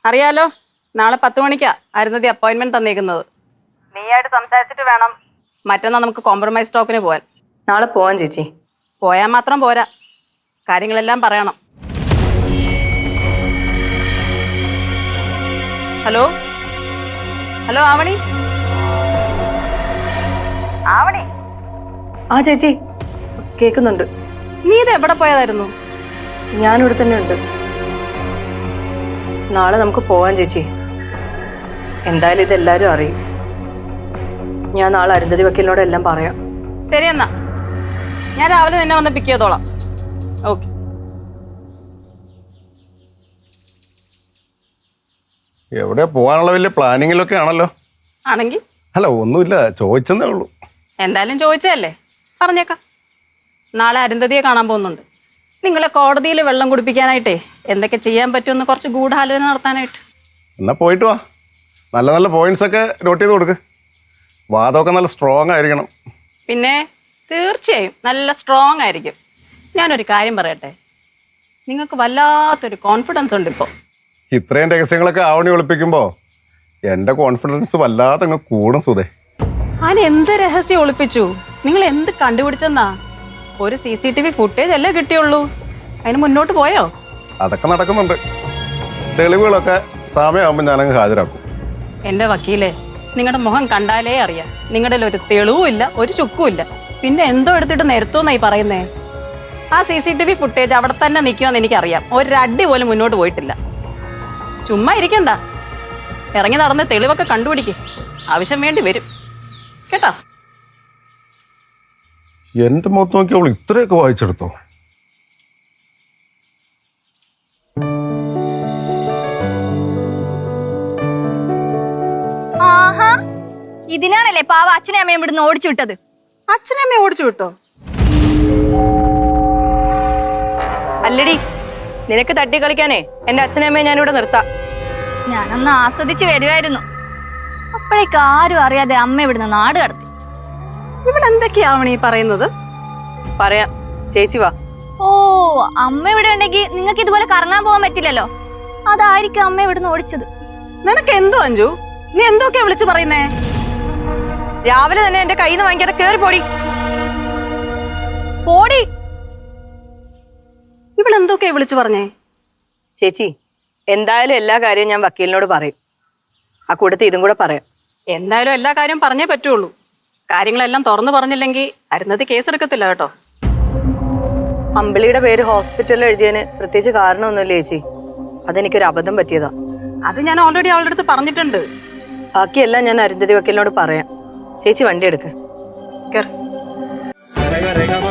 അറിയാലോ, നാളെ 10 മണിക്കാ അരുന്നതി അപ്പോയിന്റ്മെന്റ് തന്നേക്കുന്നത്. നീയായിട്ട് സംസാരിച്ചിട്ട് വേണം മറ്റന്നാ നമുക്ക് കോംപ്രമൈസ് ടോക്കിന് പോവാൻ. നാളെ പോവാൻ ചേച്ചി. പോയാൽ മാത്രം പോരാ, കാര്യങ്ങളെല്ലാം പറയണം. Hello hello Avani. ആവണി. ആ ചേച്ചി കേൾക്കുന്നുണ്ട്. നീ ഇത് എവിടെ പോയതായിരുന്നു? ഞാനിവിടെ തന്നെ ഉണ്ട്. നാളെ നമുക്ക് പോവാൻ ചേച്ചി. എന്തായാലും ഇതെല്ലാരും അറിയും. ഞാൻ നാളെ അരുന്ധതി വക്കീലിനോട് എല്ലാം പറയാം. ശരി എന്നാ, ഞാൻ രാവിലെ നിന്നെ വന്ന് പിക്ക് ചെയ്തോളാം. ഓക്കെ. എവിടെ പോകാനുള്ള വലിയ പ്ലാനിങ്ങിലൊക്കെ ആണല്ലോ. ആണെങ്കിൽ അല്ല, ഒന്നുമില്ല, ചോദിച്ചെന്നേ ഉള്ളൂ. എന്തായാലും ചോദിച്ചതല്ലേ, പറഞ്ഞേക്കാം. നാളെ അരുന്ധതിയെ കാണാൻ പോകുന്നുണ്ട്. നിങ്ങളെ കോടതിയിൽ വെള്ളം കുടിപ്പിക്കാനായിട്ടേ എന്തൊക്കെ ചെയ്യാൻ പറ്റുമെന്ന് കുറച്ച് ഗൂഢാലോചന നടത്താനായിട്ട്. എന്നാ പോയിട്ട് വാ. നല്ല നല്ല പോയിന്റ്സ് ഒക്കെ നോട്ട് ചെയ്ത് കൊടുക്ക്. വാദമൊക്കെ നല്ല സ്ട്രോങ് ആയിരിക്കണം. പിന്നെ തീർച്ചയായും നല്ല സ്ട്രോങ് ആയിരിക്കും. ഞാനൊരു കാര്യം പറയട്ടെ, നിങ്ങൾക്ക് വല്ലാത്തൊരു കോൺഫിഡൻസ് ഉണ്ട് ഇപ്പോൾ. ഇത്രയും രഹസ്യങ്ങളൊക്കെ ആവണി ഒളിപ്പിക്കുമ്പോൾ എൻ്റെ കോൺഫിഡൻസ് വല്ലാതെ അങ്ങ് കൂടും സുധേ. ഞാൻ എന്ത് രഹസ്യം ഒളിപ്പിച്ചു? നിങ്ങൾ എന്ത് കണ്ടുപിടിച്ചെന്നാ? ഒരു CCTV ഫുട്ടേജ് അല്ലേ കിട്ടിയുള്ളൂ, അതിന് മുന്നോട്ട് പോയോ? അതൊക്കെ നടക്കുന്നുണ്ട്. തെളിവുകളൊക്കെ സമയമാകുമ്പോൾ ഞാനങ്ങ് ഹാജരാക്കും. എൻ്റെ വക്കീലേ, നിങ്ങളുടെ മുഖം കണ്ടാലേ അറിയാം നിങ്ങളുടെ ഒരു തെളിവും ഇല്ല, ഒരു ചുക്കും ഇല്ല. പിന്നെ എന്തോ എടുത്തിട്ട് നിരത്തുമെന്നായി പറയുന്നേ? ആ CCTV ഫുട്ടേജ് അവിടെ തന്നെ നിൽക്കുമെന്ന് എനിക്കറിയാം. ഒരടി പോലും മുന്നോട്ട് പോയിട്ടില്ല. ചുമ്മാ ഇരിക്കണ്ട, ഇറങ്ങി നടന്ന് തെളിവൊക്കെ കണ്ടുപിടിക്ക്. ആവശ്യം വേണ്ടി വരും കേട്ടോ. എൻ്റെ മുഖത്ത് നോക്കി അവൾ ഇത്രയൊക്കെ വായിച്ചെടുത്തോ? ആഹാ, ഇതിനാണല്ലേ പാവ അച്ഛനെ അമ്മയും ഇവിടുന്ന് ഓടിച്ചു വിട്ടത്? അച്ഛനമ്മയെ ഓടിച്ചു വിട്ടോ? അല്ലടി, നിനക്ക് തട്ടി കളിക്കാനേ എന്റെ അച്ഛനമ്മയെ ഞാനിവിടെ നിർത്താം. ഞാനൊന്ന് ആസ്വദിച്ച് വരുമായിരുന്നു, അപ്പോഴേക്ക് ആരും അറിയാതെ അമ്മ ഇവിടുന്ന് നാട് കടത്തി. ഇവളെന്തൊക്കെയാവണീ പറയുന്നത്? പറയാം, ചേച്ചി വാ. ഓ, അമ്മ ഇവിടെ ഉണ്ടെങ്കിൽ നിങ്ങൾക്ക് ഇതുപോലെ കറങ്ങാൻ പോകാൻ പറ്റില്ലല്ലോ. അതായിരിക്കും അമ്മ ഇവിടുന്ന് ഓടിച്ചത്. നിനക്ക് എന്തോ അഞ്ജു, നീ എന്തൊക്കെയാ വിളിച്ചു പറയുന്നേ? രാവിലെ തന്നെ എന്റെ കയ്യിൽ നിന്ന് വാങ്ങിക്കാതെ കേറി പോടി. പോടി. ഇവളെന്തൊക്കെയാ വിളിച്ചു പറഞ്ഞേ? ചേച്ചി, എന്തായാലും എല്ലാ കാര്യവും ഞാൻ വക്കീലിനോട് പറയും. ആ കൂട്ടത്തിൽ ഇതും കൂടെ പറയാം. എന്തായാലും എല്ലാ കാര്യം പറഞ്ഞേ പറ്റുള്ളൂ. കാര്യങ്ങളെല്ലാം തുറന്നു പറഞ്ഞില്ലെങ്കിൽ അരുന്നതി കേസെടുക്കത്തില്ല കേട്ടോ. അമ്പിളിയുടെ പേര് ഹോസ്പിറ്റലിൽ എഴുതിയതിന് പ്രത്യേകിച്ച് കാരണമൊന്നുമില്ല ചേച്ചി. അതെനിക്കൊരു അബദ്ധം പറ്റിയതാ. അത് ഞാൻ ഓൾറെഡി അവളുടെ അടുത്ത് പറഞ്ഞിട്ടുണ്ട്. ബാക്കിയെല്ലാം ഞാൻ അരുന്ധതി വക്കീലിനോട് പറയാം. ചേച്ചി വണ്ടി എടുക്ക്. കേറ്.